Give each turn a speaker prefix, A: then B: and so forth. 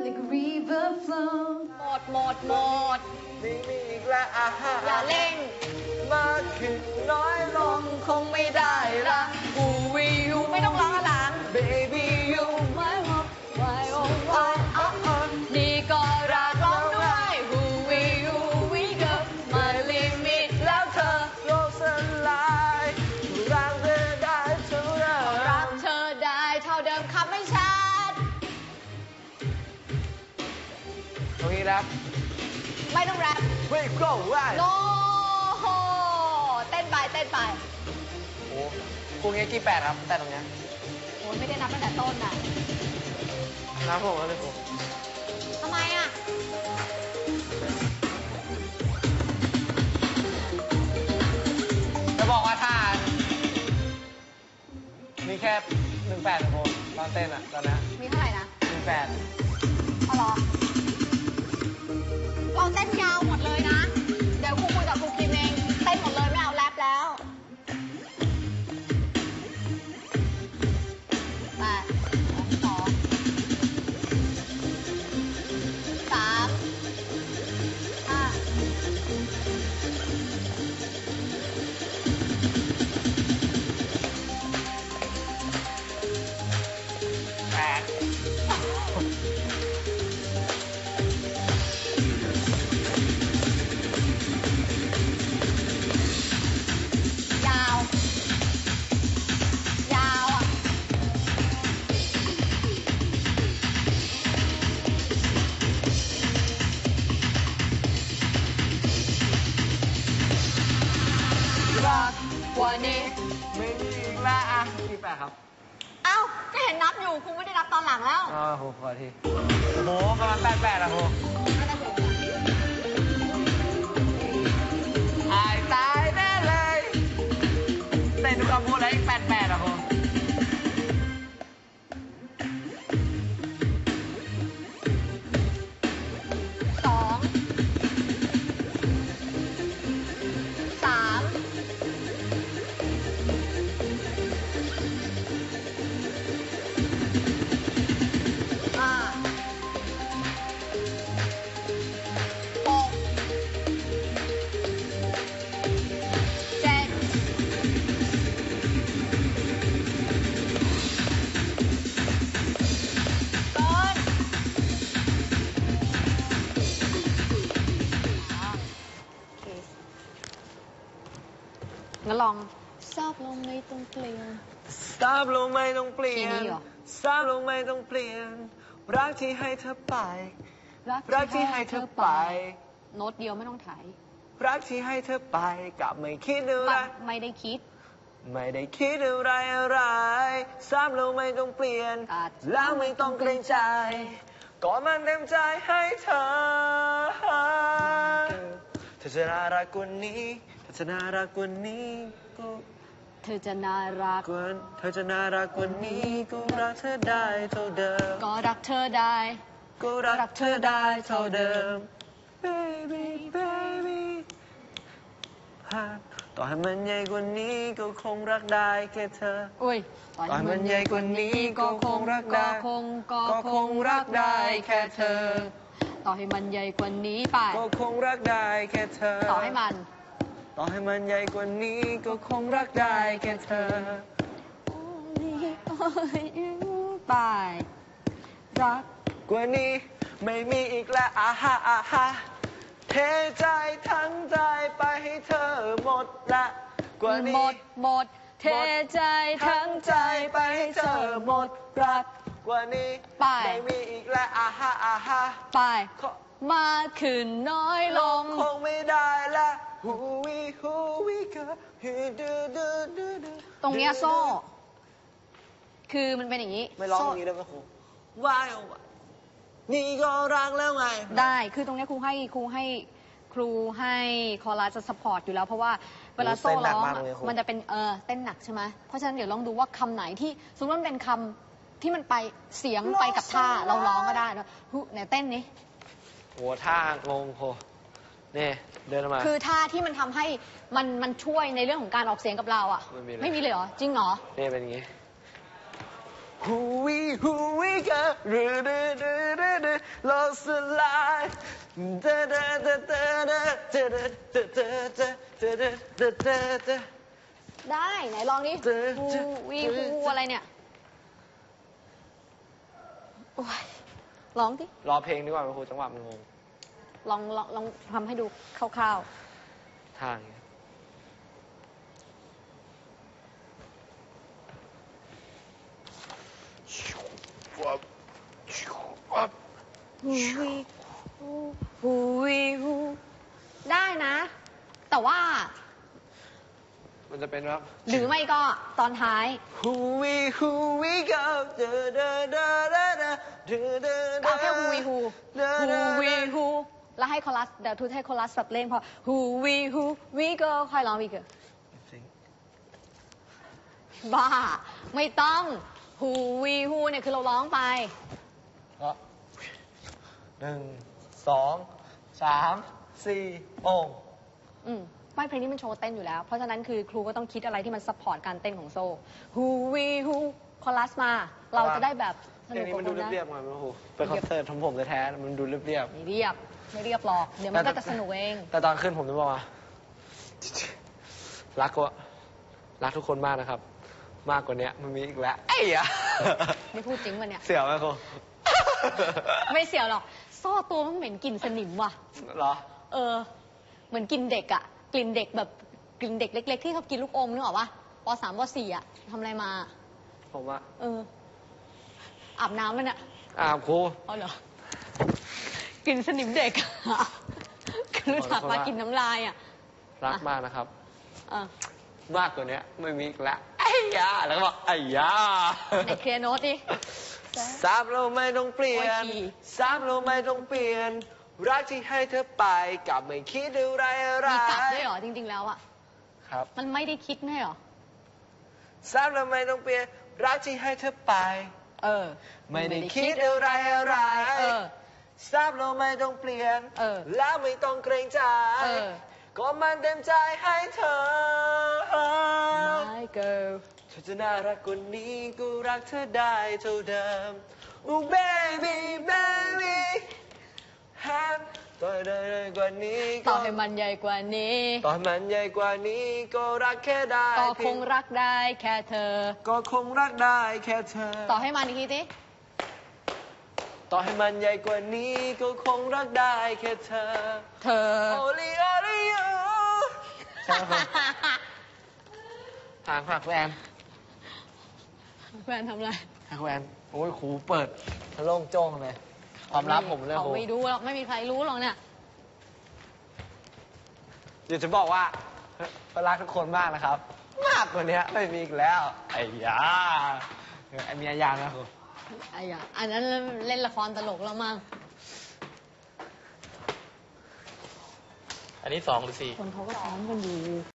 A: like a river flow
B: หมด
C: ไม่มีอีกแล้วอาฮะ
B: อย่าเล่ง
C: มากขึ้นน้อยลงคงไม่ได้ละ
B: Who will you ไม่ต้องร้องหลัง
C: baby you
B: ไม่หกไม่โอ้นี่ก็รักร้องด้วย Who will you we go my limit แล้วเธอ
C: โลกสลายรักเธอได้เท่าไหร่
B: รักเธอได้เท่าเดิมคำไม่ชัด
C: ตรงนี้นะ
B: ไม่ต้องแรป
C: ไม่ก็ว่า
B: โน้เต้นไป
C: โอ้ครูเงี้ยกี่แปดครับแต่ตรงเนี้ย
B: โอ้ยไม่ได้นับตั้งแต่ต้นน่ะ
C: น้ำผมก็เลยครู
B: ทำไมอ่ะ
C: จะบอกว่าท่ามีแค่18นะครูตอนเต้นอะตอนนี้
B: มีเท่าไหร่นะ
C: 18
B: อ๋อเหรอ เราเต้นยาวหมดเลยนะ เดี๋ยวครูคุยกับครูคิมเองเต้นหมดเลยไม่เอาแรปแล้วไป2 3 5 ยาวอ่ะ รักกว่านี้
C: ไม่มีอีกแล้วอ่ะกี่แปดครับ
B: เอ้าก็เห็นนับอยู่ครูไม่ได้นับตอนหลังแล้ว
C: อ๋อโหขอทีโอ้โหประมาณ88อะโห
B: ไม่ได้ถึง
C: อายตายแน่เลยเต้นทุกคำพูดแล้วอีก88อะโห
B: 2 3 6 7 ต้น โอเคงั้นลองซาบลงในตรงเกลียว
C: Stop ลงไม่ต้องเปลี่ย
B: ที
C: น
B: นี้เหรอ
C: Stop ลงไม่ต้องเปลี่ยน รักที่ให้เธอไป รักที่ให้เธอไป
B: โน้ตเดียวไม่ต้องถ่าย
C: รักที่ให้เธอไปกลับไม่คิดอะไร
B: ไม่ได้คิด
C: ไม่ได้คิดอะไรอะไรซ้ำเราไม่ต้องเปลี่ยน แล้วไม่ต้องเกรงใจ ก็มันเต็มใจให้เธอ เธอจะน่ารักกว่านี้เธอจะน่ารักกว่านี้ก็
B: เธอจะน่ารัก
C: เธอจะน่ารักกว่านี้ก็รักเธอได้เท่าเดิม
B: ก็รักเธอได้
C: ก็รักเธอได้เท่าเดิม baby baby ต่อให้มันใหญ่กว่านี้ก็คงรักได้แค่เธอ
B: อุ้ย
C: ต่อให้มันใหญ่กว่านี้ก็คงรักได้ก็คงรักได้แค่เธอ
B: ต่อให้มันใหญ่กว่านี้ไป
C: ก็คงรักได้แค่เธอ
B: ต่อให้มัน
C: ต่อให้มันใหญ่กว่านี้ก็คงรักได้แค่เธอ
B: ไป รัก
C: กว่านี้ไม่มีอีกแล้วอาฮะอาฮะเทใจทั้งใจไปให้เธอหมดละกว่านี้
B: หมด เทใจทั้งใจไปให้เธอหมดรัก
C: กว่านี้
B: ไป
C: ไม่มีอีกแล้วอาฮะอาฮะ
B: ไป
C: ขอ
B: มากขึ้นน้อยลง
C: คงไม่ได้ละฮูวีก็ฮูดูดูดูดู
B: ตรงเนี้ยโซ่ คือมันเป็นอย่างนี้
C: ไม่ร้องอย่างนี้ได้ไหมครูว้ายนี่ก็รักแล้วไง
B: ได้ คือตรงเนี้ยครูให้คอรัสจะสปอร์ตอยู่แล้ว เพราะว่าเวลาโซ่ร้องอะมันจะเป็นเต้นหนักใช่ไหมเพราะฉะนั้นเดี๋ยวลองดูว่าคำไหนที่สมมติว่ามันเป็นคำที่มันไปเสียงไปกับท่าเราร้องก็ได้แล้วไหนเต้นนี้
C: หัวท่างงโหนี่เดินมา
B: คือท่าที่มันทำให้มันช่วยในเรื่องของการออกเสียงกับเราอ่ะ
C: ไม่มีเลย
B: ไม่มีเลยเหรอ จริงเหรอ
C: นี่เป็นอย่างงี้ฮูวีก็โลกสลายเดเดเดเดเดเดเดเดเดเดเดเดเดเดเด
B: ได้ไหนลองดิฮูวีฮูอะไรเนี่ยโอ้ยร้องดิ
C: รอเพลงดีกว่าครูจังหวะมันงง
B: ลองทำให้ดูคร่าว
C: ทางเงี้ย
B: ๆฮูวีฮูวีฮูได้นะ แต่ว่า
C: มันจะเป็นแบบ
B: หรือไม่ก็ตอนท้าย
C: ฮูวีก็เดเดเดเดเดเดเดเด
B: เอาแค่ฮูวีฮูฮูแล้วให้คอรัสเดี๋ยวทูตให้คอรัสแบบเล่นพอฮูวีก็ค่อยร้องวีก็บ้า ไม่ต้องฮูวีฮูเนี่ยคือเราร้องไป
C: ก็1 2 3 4โอ่ง
B: ไม่เพลงนี้มันโชว์เต้นอยู่แล้ว เพราะฉะนั้นคือครูก็ต้องคิดอะไรที่มันซัพพอร์ตการเต้นของโซ่ฮูวีฮูคอรัสมา เราจะได้แบบส
C: เพล
B: นุ
C: ง
B: ก
C: นี้
B: กับ
C: มัน
B: ค
C: ดู
B: นนะ
C: เรียบๆไงไม่รู้เป็นคอนเสิร์ตของผมแท้ๆมันดูเรียบ
B: ไม่เรียบไม่เรียบหรอก เดี๋ยวมันก็จะสนุกเอง
C: ๆแต่ตอนขึ้นผมจะบอกว่ารักทุกคนมากนะครับ มากกว่านี้มันมีอีกแล้วไอ้ยะ
B: นี่พูดจริงป่ะเนี่ย
C: เสียวไหมครู
B: ไม่เสียวหรอกโซ่ตัวมันเหม็นกลิ่นสนิมว่ะ
C: เหรอ
B: เหมือนกลิ่นเด็กอะกลิ่นเด็กแบบกลิ่นเด็กเล็ก ๆ ที่เขากินลูกอมนึกออกปะป.3 ป.4อะทำอะไรมา
C: ผมว่า
B: อาบน้ำมันอะ
C: ครู
B: เอาเหรอกลิ่นสนิมเด็กอะคือรู้จักปะกลิ่นน้ำลายอะ
C: รักมากนะครับ
B: อ่ะ
C: มากกว่านี้ไม่มีอีกแล้วไอ้ยาแล้วก็บอกไอ้ยา
B: ไหนเคลียร์โน้ตดิ
C: สามเราไม่ต้องเปลี่ยน
B: โอ้ยขี่
C: สามเราไม่ต้องเปลี่ยน รักที่ให้เธอไปกลับไม่คิดอะไรอะไร
B: มีกลับด้วยเหรอจริง ๆ แล้วอะ
C: ครับ
B: มันไม่ได้คิดไม่ใช่เหรอ
C: สามเราไม่ต้องเปลี่ยน รักที่ให้เธอไป ไม่ได้คิดอะไรอะไร สามเราไม่ต้องเปลี่ยน แล้วไม่ต้องเกรงใจ ก็มันเต็มใจให้เธอ
B: My girl
C: เธอจะน่ารักกว่านี้ก็รักเธอได้เท่าเดิม Oh baby baby ฮันต่อได้กว่านี้ก็
B: ต่อให้มันใหญ่กว่านี้
C: ต่อให้มันใหญ่กว่านี้ก็รักแค่ได้
B: ก็คงรักได้แค่เธอ
C: ก็คงรักได้แค่เธอ
B: ต่อให้มันอีกทีสิ
C: ต่อให้มันใหญ่กว่านี้ก็คงรักได้แค่เธอ
B: เธอ
C: Only only you ใช่ไหมครับหักแวน
B: แฟนทำอะไร
C: หักแวนโอ้ยครูเปิดโล่งโจ้งเลยความลับผมเลย
B: เขา
C: ครู
B: ไม่รู้หรอกไม่มีใครรู้หรอกเนี่ย
C: เดี๋ยวจะบอกว่ารักทุกคนมากนะครับ มากกว่านี้ไม่มีอีกแล้ว ไอ้ยาไอ้มียางนะครู
B: ไอ้อะอันนั้นเล่นละครตลกแล้วมั้ง
A: อันนี้2 หรือ 4
B: คนเขาก็ซ้อมกันอยู่